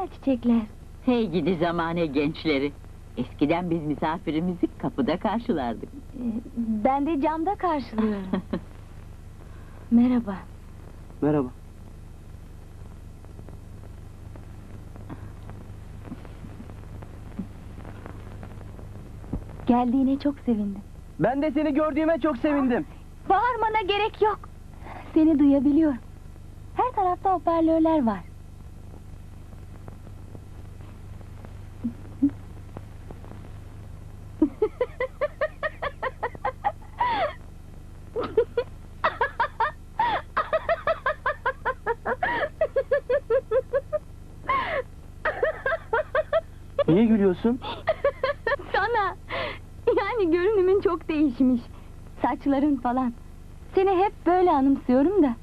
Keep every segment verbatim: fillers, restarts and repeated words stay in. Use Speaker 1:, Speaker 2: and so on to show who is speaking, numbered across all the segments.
Speaker 1: güzel çiçekler.
Speaker 2: Hey gidi zamane gençleri. Eskiden biz misafirimizi kapıda karşılardık.
Speaker 1: Ee, ben de camda karşılıyorum. Merhaba.
Speaker 3: Merhaba.
Speaker 1: Geldiğine çok sevindim.
Speaker 3: Ben de seni gördüğüme çok sevindim.
Speaker 1: Bağırmana gerek yok. Seni duyabiliyorum. Her tarafta hoparlörler var.
Speaker 3: Niye gülüyorsun?
Speaker 1: Sana. Yani görünümün çok değişmiş. Saçların falan. Seni hep böyle anımsıyorum da.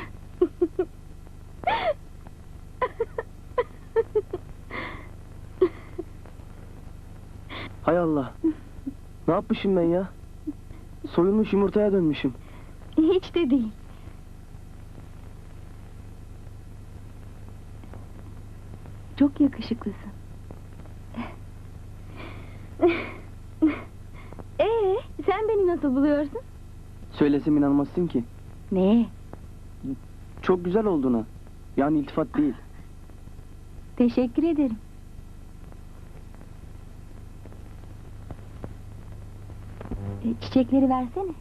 Speaker 3: Hay Allah. Ne yapmışım ben ya? Soyulmuş yumurtaya dönmüşüm.
Speaker 1: Hiç de değil. Çok yakışıklısın. Ee, sen beni nasıl buluyorsun?
Speaker 3: Söylesem inanmazsın ki.
Speaker 1: Ne?
Speaker 3: Çok güzel olduğuna. Yani iltifat değil.
Speaker 1: Teşekkür ederim. E, çiçekleri versene.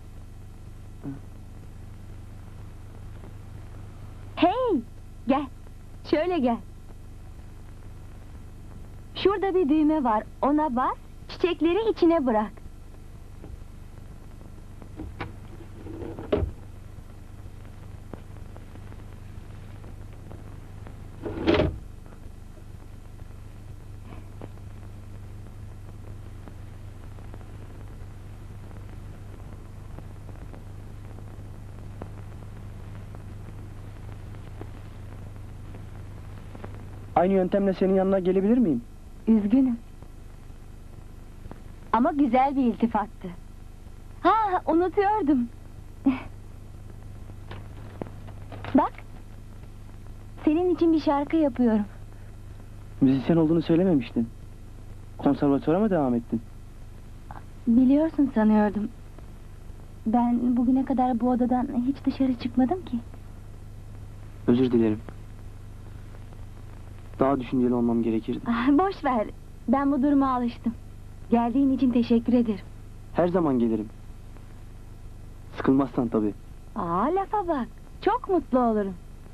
Speaker 1: Hey! Gel. Şöyle gel. Şurada bir düğme var. Ona bas, çiçekleri içine bırak.
Speaker 3: Aynı yöntemle senin yanına gelebilir miyim?
Speaker 1: Üzgünüm. Ama güzel bir iltifattı. Ha, unutuyordum. Bak. Senin için bir şarkı yapıyorum.
Speaker 3: Müzisyen olduğunu söylememiştin. Konservatuvara mı devam ettin?
Speaker 1: Biliyorsun sanıyordum. Ben bugüne kadar bu odadan hiç dışarı çıkmadım ki.
Speaker 3: Özür dilerim. Daha düşünceli olmam gerekirdi.
Speaker 1: Ah, boş ver. Ben bu duruma alıştım. Geldiğin için teşekkür ederim.
Speaker 3: Her zaman gelirim. Sıkılmazsan tabii.
Speaker 1: Aa, lafa bak. Çok mutlu olurum.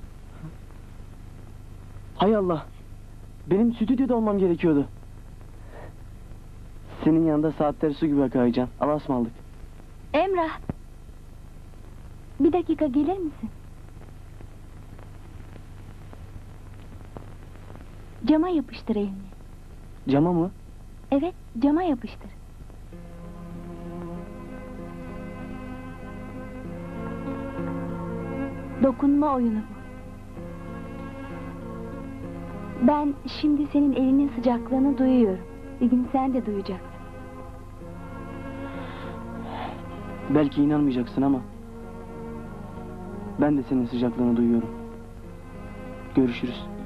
Speaker 3: Hay Allah! Benim stüdyoda olmam gerekiyordu. Senin yanında saatleri su gibi akar Can. Allah'a ısmarladık.
Speaker 1: Emrah. Bir dakika gelir misin? Cama yapıştır elini.
Speaker 3: Cama mı?
Speaker 1: Evet, cama yapıştır. Dokunma oyunu bu. Ben şimdi senin elinin sıcaklığını duyuyorum. Bir gün sen de duyacaksın.
Speaker 3: Belki inanmayacaksın ama ben de senin sıcaklığını duyuyorum. Görüşürüz.